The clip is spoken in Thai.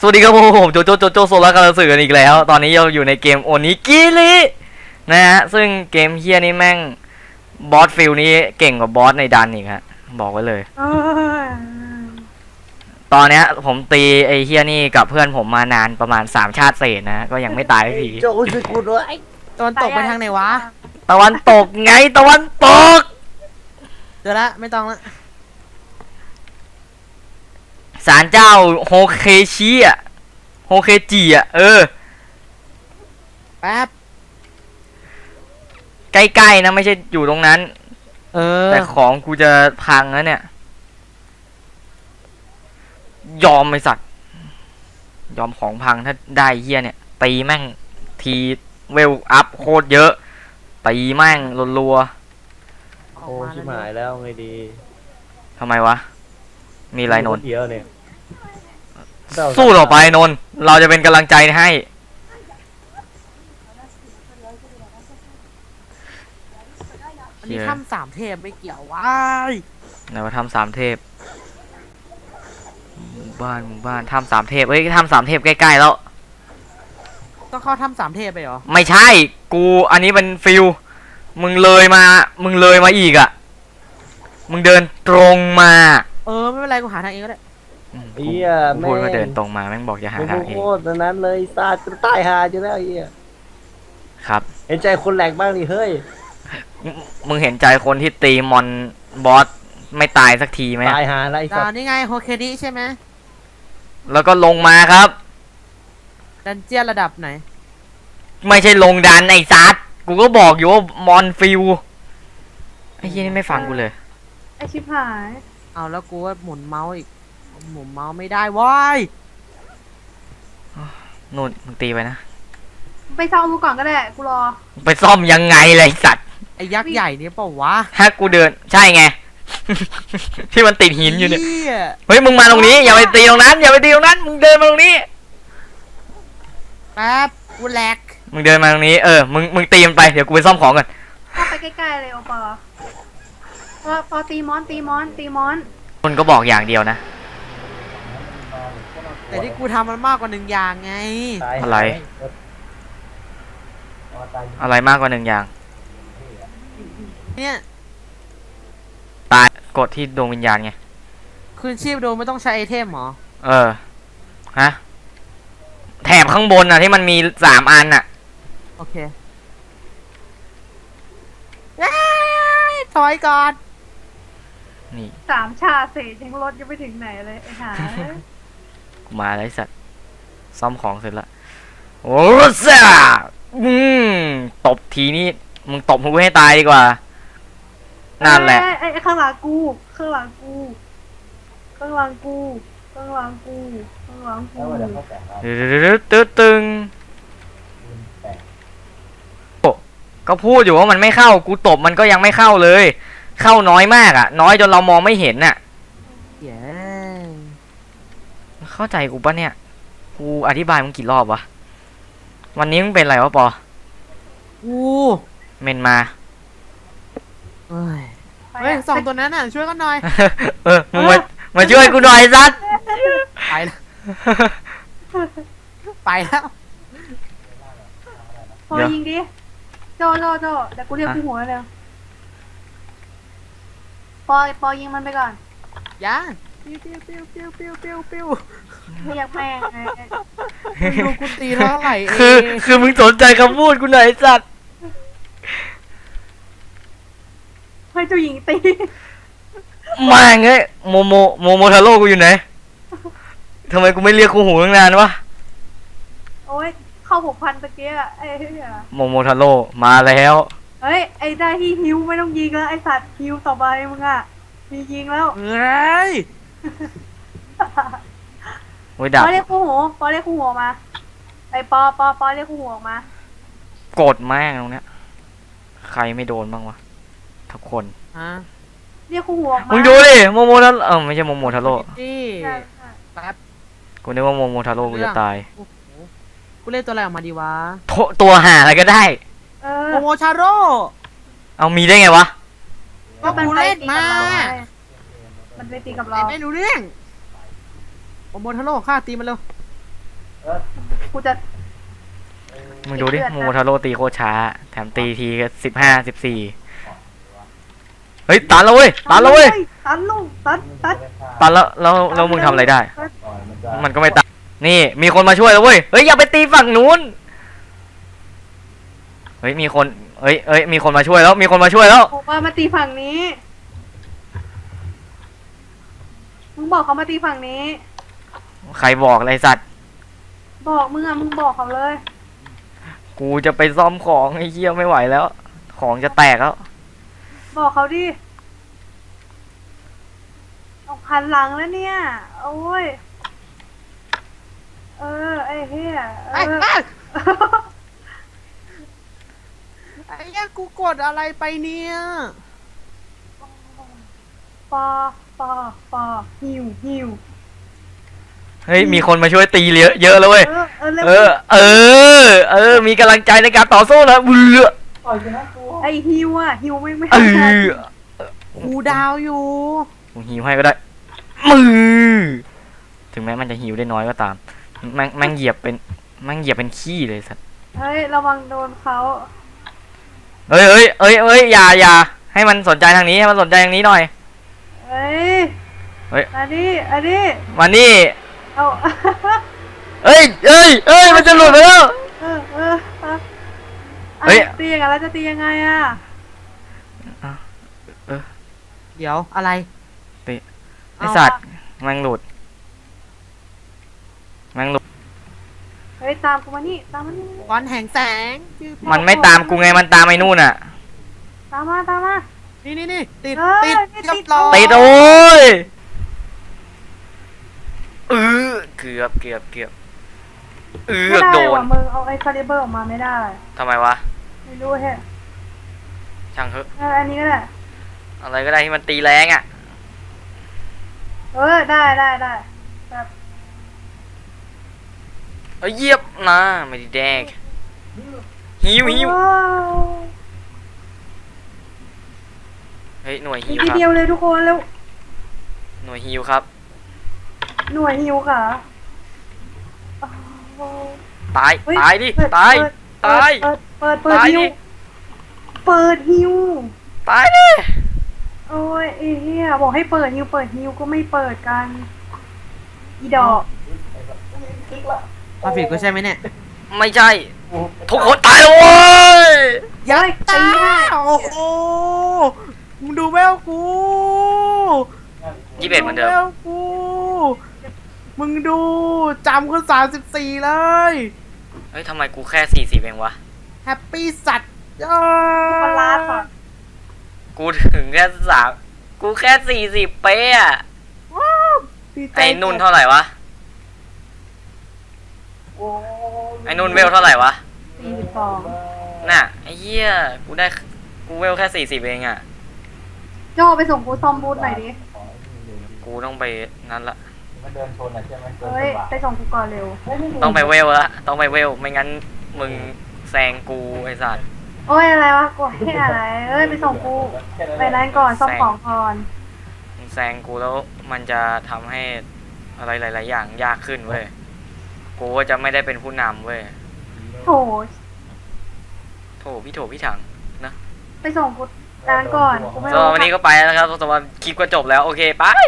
สวัสดีครับผมโจโซล่ากำลังสื่อกันอีกแล้วตอนนี้เราอยู่ในเกมโอนิกิรินะฮะซึ่งเกมเฮียนี่แม่งบอสฟิลนี้เก่งกว่าบอสในดันอีกฮะบอกไว้เลยตอนเนี้ยผมตีไอ้เฮียนี่กับเพื่อนผมมานานประมาณ3 ชาติเศษนะก็ยังไม่ตายสักทีโจ้ช่วยกูด้วยตะวันตกไปทางไหนวะตะวันตกไงตะวันตกเดี๋ยวละไม่ต้องละศาลเจ้าโฮเคชิอ่ะโฮเคจิอ่ะแป๊บใกล้ๆนะไม่ใช่อยู่ตรงนั้น แต่ของกูจะพังแล้วเนี่ยยอมไอสัตว์ยอมของพังถ้าได้เฮียเนี่ยตีแม่งทีเวลอัพโคตรเยอะตีแม่งรัวโอ้ชิบหายแล้วไงดีๆทำไมวะมีอะไรนนท์เดียวเนี่ยสู้ต่อไปนนท์เราจะเป็นกำลังใจให้อันนี้ถ้ำสามเทพไม่เกี่ยววะไหนว่าทำ3 เทพหมู่บ้านทำ3 เทพเอ้ยทำ3 เทพใกล้ๆแล้วต้องเข้าถ้ำสามเทพไปเหรอไม่ใช่กูอันนี้เป็นฟิลมึงเลยมาอีกอ่ะมึงเดินตรงมาไม่เป็นไรกูหาทางเองก็ได้เฮียกูแม่พูดว่าเดินตรงมาแม่งบอกจะหามึงทางเอโคงตรนั้นเลยซาดกูตายหาอยู่แล้วเฮียครับเห็นใจคนแหลกบ้างดิเฮ้ยมึงเห็นใจคนที่ตีมอนบอสไม่ตายสักทีไหมตายหาอะไรสัดาตวว์นี่ไงโฮเคดิใช่ไหมแล้วก็ลงมาครับดันเจียนระดับไหนไม่ใช่ลงดันไอ้ซัดกูก็บอกอยู่ว่ามอนฟิลไอ้เหี้ยนี่ไม่ฟังกูเลยไอชิบหายเอาแล้วกูว่าหมุนเมาส์อีกหมุนเมาส์ไม่ได้ว้ายนู่นมึงตีไปนะไปซ่อมกูก่อนก็ได้ กูรอไปซ่อมยังไงเลยสัตว์ไอ้ยักษ์ใหญ่นี่เปล่าวะถ้ากูเดินใช่ไง ที่มันติดหินอยู่เนี่ยหี้เฮ้ยมึงมาตรงนี้อย่าไปตีตรงนั้นอย่าไปตีตรงนั้นมึงเดินมาตรงนี้แป๊บกูแหลกมึงเดินมาตรงนี้มึงตีมันไปเดี๋ยวกูไปซ่อมของก่อนเข้าไปใกล้ๆเลยโอปอปอตีมอนคนก็บอกอย่างเดียวนะแต่ที่กูทำมันมากกว่า1 อย่างไงตายหาอะไร อะไรมากกว่า1 อย่างเนี่ยตายกดที่ดวงวิญญาณไงคืนชีพโดยไม่ต้องใช้ไอเทมเหรอฮะแถบข้างบนอ่ะที่มันมี3 อันอ่ะโอเคเอ้ยถอยก่อนนี่ 3 ชาเศษยังรถยังไม่ถึงไหนเลยไอ้หากูมาแล้วไอ้สัตว์ซ่อมของเสร็จละโอ้ซ่าตบทีนี้มึงตบกูให้ตายดีกว่านั่นแหละไอ้ข้างหลังกูตึงก็พูดอยู่ว่ามันไม่เข้ากูตบมันก็ยังไม่เข้าเลย เข้าน้อยมากอ่ะ น้อยจนเรามองไม่เห็นน่ะเย้เข้าใจกูปะเนี่ยกูอธิบายมึงกี่รอบวะวันนี้มึงเป็นอะไรวะปอกูเมนมาเฮ้ย2 ตัวนั้นน่ะช่วยกันหน่อยมึงมาช่วยกูหน่อยซัดไปแล้วไปแล้วพอยิงดิโจเดี๋ยวกูเรียกกูหัวเลยปอยิงมันไปก่อนย่าปิ้วปิ้วปิ้วปิ้วปิ้วปิ้วปิ้วเรียกแม่งไงมึงดูกูตีเท่าไหร่เองคือมึงสนใจคำพูดกูหน่อยสัตว์ให้เจ้าหญิงตีมาไงโมทาโร่กูอยู่ไหนทำไมกูไม่เรียกกูหูตั้งนานวะโอ้ยเข้า6,000ตะเกียะไอ้เหี้ยโมทาโร่มาแล้วเฮ้ยไอ้ได้ที่ฮิวไม่ต้องยิงแล้วไอ้สัตว์ฮิวต่อไปมึงอ่ะมียิงแล้วเฮ้ยโอ้ยดับปอเรียกคู่หัวมาไอ้ปอเรียกคู่หัวออกมากดแม่งตรงเนี้ยใครไม่โดนบ้างวะทุกคนฮะเรียกคู่หัวออกมามึงดูดิโมทาโร่ไม่ใช่โมทาโร่นี่ใช่แป๊บกูนึกว่าโมทาโร่กูจะตายโอ้โหกูเล่นตัวอะไรออกมาดีวะตัวหาอะไรก็ได้เออโมโมชาโร่เอามีได้ไงวะก็กูเล่นมามันไปตีกับเราไม่รู้เรื่องโมโมทาโร่ฆ่าตีมันเร็วกูจะมึงดูดิเดือดนะโมทาโร่ตีโคตรช้า แถมตีทีก็15 14เฮ้ยตันแล้วเว้ยตันแล้วเว้ยตันลูกตันตันแล้วมึงทำอะไรได้ มันก็ไม่ตันนี่มีคนมาช่วยแล้วเว้ยเฮ้ยอย่าไปตีฝั่งนู้นเฮ้ยมีคนมีคนมาช่วยแล้วมีคนมาช่วยแล้วผมว่ามาตีฝั่งนี้ มึงบอกเขามาตีฝั่งนี้ใครบอกอะไรสัตว์บอกมึงอะมึงบอกเขาเลยกูจะไปซ่อมของไอ้เหี้ยไม่ไหวแล้ว ของจะแตกแล้วบอกเขาดิเอาพันหลังแล้วเนี่ย โอ้ย ไอ้เหี้ยไอ้ไอ้เหี้ยกูกดอะไรไปเนี่ยปอปอหิวเฮ้ยมีคนมาช่วยตีเยอะเยอะแล้วเว้ยเร็วมีกำลังใจในการต่อสู้แล้วเบื่อไอ้หิวอะหิวไม่เอทันอกูดาวอยู่กูหิวให้ก็ได้มือถึงแม้มันจะหิวได้น้อยก็ตามแม่งเหยียบเป็นขี้เลยสัตว์เฮ้ยระวังโดนเขาเอ้ยอย่าให้มันสนใจทางนี้ให้มันสนใจทางนี้หน่อยเฮ้ยเฮ้ยอันนี้มานี่เอาเอ้ยมันจะหลุดไปแล้วเออเฮ้ยตีอย่างนั้นแล้วจะตียังไงอะเดี๋ยวอะไรไอสัตว์แม่งหลุดเฮ้ยตามกูมานี่ตามมานี่วันแห่งแสงมันไม่ตามกูไงมันตามไอ้นู่นอ่ะตามมานี่ติดเฮ้ยติดติดเรียบร้อยติดโอ้ยเกือบไม่ได้โดนว่ะมึงเอาไอ้คาลิเบอร์ออกมาไม่ได้ทำไมวะไม่รู้แฮะช่างเถอะอันนี้ก็ได้อะไรก็ได้ที่มันตีแรงอ่ะได้แบบเยียบนะไม่ได้แดกหิวว้าวเฮ้ยหน่วยอีหิกวทีครับเดียวเลยทุกคนแล้วหน่วยหิวครับหน่วยฮิวค่ะตายเฮ้ตายดิเปิดตายเปิดตายเปิดตายฮิวดิเปิดฮิวตายดิโอ้ยไอ้เหี้ยบอกให้เปิดฮิวก็ไม่เปิดกัน อีดอกมาผิดกูใช่ไหมเนี่ยไม่ใช่ทุกคนตายแล้วเว้ยยัยตีให้โอ้โหมึงดูแววกู 21เหมือนเดิมแววกูมึงดูจำกู34เลยเฮ้ยทำไมกูแค่40เองวะแฮปปี้สัตว์ปลาก่อนกูถึงแค่กูแค่40เป๊ะอะว้าวดีใจไอ้นุ่นเท่าไหร่วะไอ้นุ่นเวลเท่าไหร่วะ 42 น่ะไอ้เหี้ยกูเวลแค่40เองอ่ะโจไปส่งกูซอมบูธหน่อยดิกูต้องไปนั่นละเฮ้ย ไปส่งกูก่อนเร็วต้องไปเวลละต้องไปเวลไม่งั้นมึงแซงกูไอ้สัตว์โอ้ยอะไรวะกูให้อะไร เอ้ย ไปส่งกู ไปนั้นก่อนซ่อมของก่อนมึงแซงกูแล้วมันจะทำให้อะไรหลาย ๆ อย่างยากขึ้นเว้ยกูก็จะไม่ได้เป็นผู้นำเว้ยโถพี่ถังนะไปส่งกูร้านก่อนกูไม่สำหรับวันนี้ก็ไปแล้วนะครับสำหรับคลิปก็จบแล้วโอเคไป